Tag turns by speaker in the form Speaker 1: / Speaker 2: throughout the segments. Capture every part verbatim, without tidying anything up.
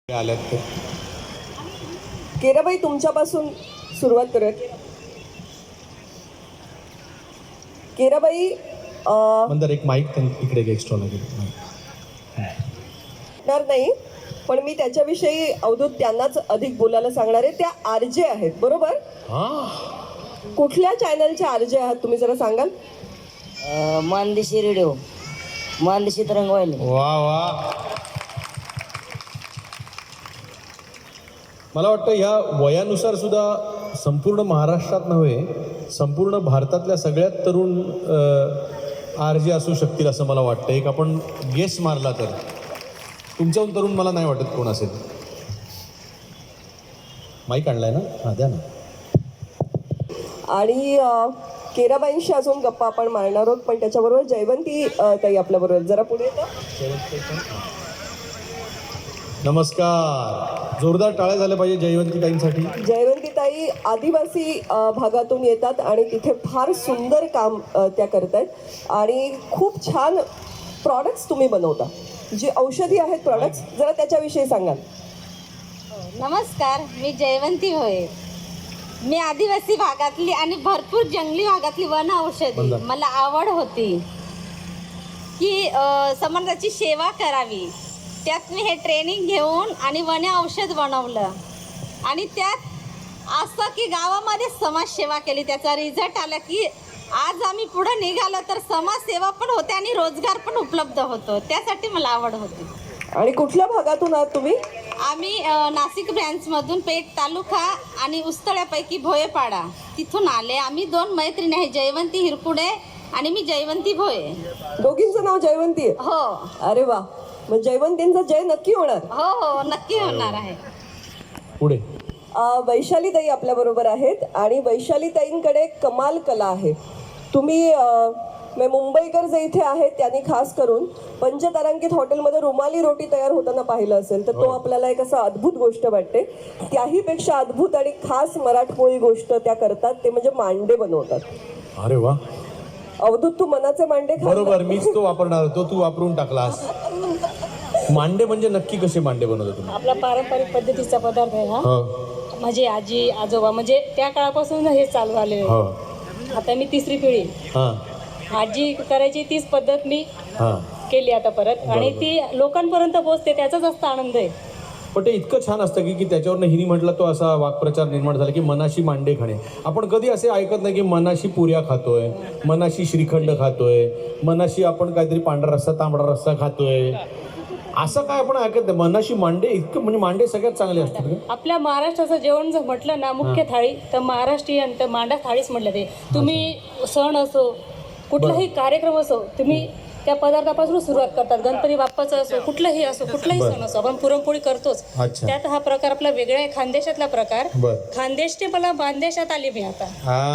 Speaker 1: आल्यात ते
Speaker 2: केराबाई तुमच्यापासून सुरुवात करूया. केराबाई
Speaker 1: नंतर एक माईक इकडे एक्स्ट्रा लागेल
Speaker 2: नाही, पण मी त्याच्याविषयी अवधूत त्यांनाच अधिक बोलायला सांगणार आहे. त्या आरजे आहेत बरोबर? कुठल्या चॅनलचे आरजे आहात तुम्ही जरा सांगाल?
Speaker 3: मानदेशी रेडिओ, मानदेशी तरंगवाहिनी.
Speaker 1: वा वा. मला वाटतं ह्या वयानुसार सुद्धा संपूर्ण महाराष्ट्रात नव्हे संपूर्ण भारतातल्या सगळ्यात तरुण आर जे असू शकतील असं मला वाटतं. एक आपण गेस मारला तर तुमच्याहून तरुण मला नाही वाटत कोण असेल. माईक आणलाय ना? हां द्या ना.
Speaker 2: आणि केराबाईंशी अजून गप्पा आपण मारणार आहोत, पण त्याच्याबरोबर जयवंती ताई आपल्याबरोबर. जरा पुढे येतं.
Speaker 1: नमस्कार. जोरदार टाळ्या झाल्या पाहिजे जयवंती ताईंसाठी.
Speaker 2: जयवंती ताई आदिवासी भागातून येतात आणि तिथे फार सुंदर काम त्या करतात आणि खूप छान प्रॉडक्ट्स तुम्ही बनवता. जी औषधी आहेत प्रॉडक्ट्स, जरा त्याच्याविषयी सांगाल.
Speaker 4: नमस्कार, मी जयवंती होय. मी आदिवासी भागातली आणि भरपूर जंगली भागातली वन औषधी मला आवड होती की समाजाची सेवा करावी. त्यात मी हे ट्रेनिंग घेऊन आणि वन औषध बनवलं आणि त्यात असं की गावामध्ये समाजसेवा केली. त्याचा रिझल्ट आला की आज आम्ही पुढे निघालो तर समाजसेवा पण होते आणि रोजगार पण उपलब्ध होतो. त्यासाठी मला आवड होती.
Speaker 2: आणि कुठल्या भागातून आहात तुम्ही?
Speaker 4: आम्ही नाशिक ब्रँचमधून पेठ तालुका आणि उस्तळ्यापैकी भोयेपाडा तिथून आले. आम्ही दोन मैत्रिणी आहे, जयवंती हिरकुडे आणि मी जयवंती भोये.
Speaker 2: दोघींचं नाव जयवंती आहे?
Speaker 4: हो.
Speaker 2: अरे वा. मग जयवंतींचा जय नक्की होणार?
Speaker 4: हो हो नक्की होणार आहे.
Speaker 1: पुढे
Speaker 2: वैशाली ताई आपल्या बरोबर आहेत आणि वैशाली ताईंकडे कमाल कला आहे. तुम्ही मुंबईकर जे इथे आहेत त्यांनी खास करून पंचतारांकित हॉटेलमध्ये रुमाली रोटी तयार होताना पाहिलं असेल तर तो आपल्याला एक असं अद्भुत गोष्ट वाटते. त्याही पेक्षा अद्भुत आणि खास मराठमोळी गोष्ट त्या करतात ते म्हणजे मांडे बनवतात.
Speaker 1: अरे वा.
Speaker 2: अवधूत तू मनाचे मांडे खा.
Speaker 1: बरोबर, मीच तो वापरणार होतो, तू वापरून टाकलास. मांडे म्हणजे नक्की कसे मांडे बनवता तुम्ही?
Speaker 5: आपला पारंपरिक पद्धतीचा पदार्थ आहे हा. माझी आजी आजोबा म्हणजे त्या काळापासून हे चालू आले. आता मी तिसरी पिढी. आजी करायची तीच पद्धत मी केली आता परत आणि ती लोकांपर्यंत पोहोचते, त्याचाच जास्त आनंद आहे.
Speaker 1: पण ते इतकं छान असतं की की त्याच्यावरनं हिनी म्हटलं तो असा वाक्प्रचार निर्माण झाला की मनाशी मांडे खाणे. आपण कधी असे ऐकत नाही की मनाशी पुऱ्या खातोय, मनाशी श्रीखंड खातोय, मनाशी आपण काहीतरी पांढरा रस्सा तांबडा रस्सा खातोय, असं काय आपण ऐकत नाही. मनाशी मांडे इतकं म्हणजे मांडे सगळ्यात चांगले असतात.
Speaker 5: आपल्या महाराष्ट्राचं जेवण जर म्हटलं ना मुख्य थाळी तर महाराष्ट्रीयन तर मांडा थाळीच म्हटलं. ते तुम्ही सण असो कुठलाही कार्यक्रम असो तुम्ही त्या पदार्थापासून सुरुवात करतात. गणपती बाप्पाचं असो कुठलाही असो कुठलाही सण असो आपण पुरणपोळी करतोच. त्यात हा प्रकार आपला वेगळा आहे, खानदेशातला प्रकार. खानदेश ते मला बांदेशात आली मी आता.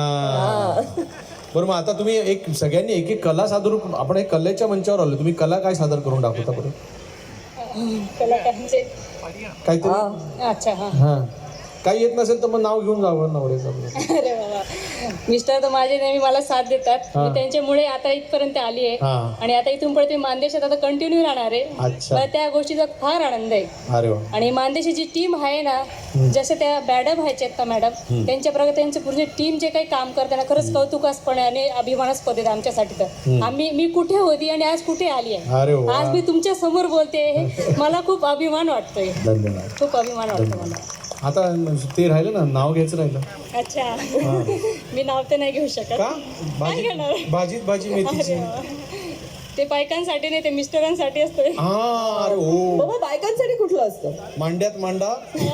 Speaker 1: बरं, मग आता तुम्ही एक सगळ्यांनी एक एक कला सादर, आपण एक कलेच्या मंचावर आलो. तुम्ही कला काय सादर करून दाखवता बरं?
Speaker 5: कलाकारांचे
Speaker 1: काहीतरी.
Speaker 5: अच्छा. हा
Speaker 1: हा काही येत नसेल तर मग नाव घेऊन जावं नवऱ्याचं.
Speaker 5: अरे बाबा, मिस्टर तर माझे नेहमी मला साथ देतात. मी त्यांच्यामुळे आता इथपर्यंत आली आहे आणि आता इथून पुढे मानदेशात आता कंटिन्यू राहणार आहे. मला त्या गोष्टीचा फार आनंद आहे. आणि मानदेशाची टीम आहे ना, जसे त्या मॅडम आहेत ना मॅडम, त्यांच्या प्रकारे त्यांचे पूर्ण टीम जे काही काम करताना खरंच कौतुकास्पणे आणि अभिमानास्पद आहेत आमच्यासाठी. तर आम्ही मी कुठे होती आणि आज कुठे आली आहे. आज मी तुमच्या समोर बोलते, मला खूप अभिमान वाटतोय. खूप अभिमान वाटतो मला.
Speaker 1: आता ते राहिलं ना, नाव घ्यायचं राहिलं.
Speaker 5: अच्छा. मी नाव तर नाही घेऊ शकत.
Speaker 1: भाजीत भाजी मेथीची.
Speaker 5: ते बायकांसाठी नाही, ते मिस्टरांसाठी असतं.
Speaker 1: अरे हो.
Speaker 2: बाबा बायकांसाठी कुठलं असतं?
Speaker 1: मांड्यात मांडा.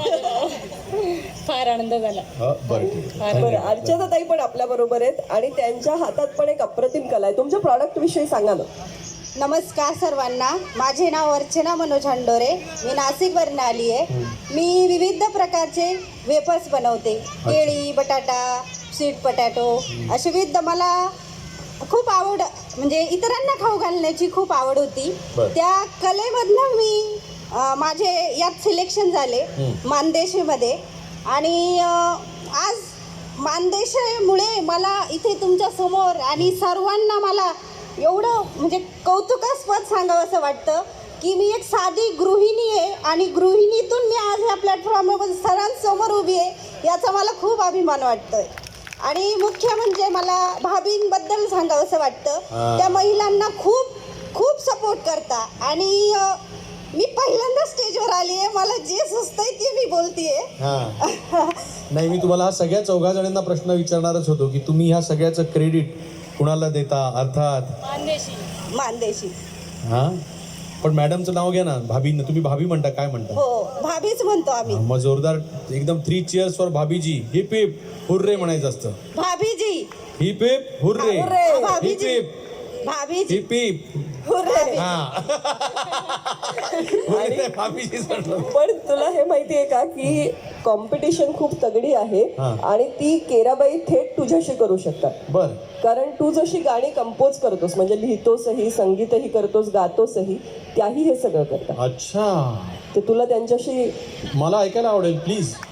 Speaker 5: फार आनंद झाला.
Speaker 2: बरं, अर्चना ताई पण आपल्या बरोबर आहेत आणि त्यांच्या हातात पण एक अप्रतिम कला आहे. तुमच्या प्रॉडक्ट विषयी सांगा ना.
Speaker 4: नमस्कार सर्वांना, माझे नाव अर्चना मनोज हंडोरे. मी नाशिकवरून आली आहे. मी विविध प्रकारचे वेफर्स बनवते. केळी, बटाटा, स्वीट पोटॅटो असे विविध. मला खूप आवड म्हणजे इतरांना खाऊ घालण्याची खूप आवड होती. त्या कलेमधनं मी माझे यात सिलेक्शन झाले मानदेशीमध्ये आणि आज मानदेशामुळे मला इथे तुमच्या समोर आणि सर्वांना मला एवढं म्हणजे कौतुकास्पद सांगावं असं वाटतं की मी एक साधी गृहिणी आहे आणि गृहिणीतून मी आज ह्या प्लॅटफॉर्मवर सरांसमोर उभी आहे याचा मला खूप अभिमान वाटतोय. आणि मुख्य म्हणजे मला भाभींबद्दल सांगावंसं वाटतं. त्या महिलांना खूप खूप सपोर्ट करता आणि अ, मी पहिल्यांदा स्टेजवर आली आहे, मला जे सुचतंय ते मी बोलतीये.
Speaker 1: हा नाही, मी तुम्हाला हा सगळ्या चौघा जणांना प्रश्न विचारणारच होतो की तुम्ही ह्या सगळ्याचं क्रेडिट कुणाला देता, अर्थात
Speaker 5: मानदेशी.
Speaker 4: मानदेशी.
Speaker 1: हा पण मॅडमचं नाव घ्या ना, भाभींना तुम्ही भाभी म्हणता, काय म्हणता?
Speaker 4: हो, भाभीच म्हणतो आम्ही.
Speaker 1: मग जोरदार एकदम थ्री चिअर्स फॉर भाभीजी. हिप हिप हुर्रे म्हणायचं असतं.
Speaker 4: भाभीजी.
Speaker 1: Hip hip hurray.
Speaker 2: Hurray.
Speaker 1: Hip
Speaker 4: भाभीजी.
Speaker 1: हिप
Speaker 4: भाभीजी.
Speaker 1: Hip hip
Speaker 2: hurray.
Speaker 1: हा हुर्रे भाभीजीच म्हणलं.
Speaker 2: पण तुला हे माहिती आहे का की कॉम्पिटिशन खूप तगडी आहे
Speaker 1: हा.
Speaker 2: आणि ती केराबाई थेट तुझ्याशी करू शकतात.
Speaker 1: बर
Speaker 2: कारण तू जशी गाणी कंपोज करतोस, म्हणजे लिहितोसही, संगीतही करतोस, गातोसही, त्याही हे सगळं करतात.
Speaker 1: अच्छा,
Speaker 2: ते तुला त्यांच्याशी
Speaker 1: मला ऐकायला आवडेल प्लीज.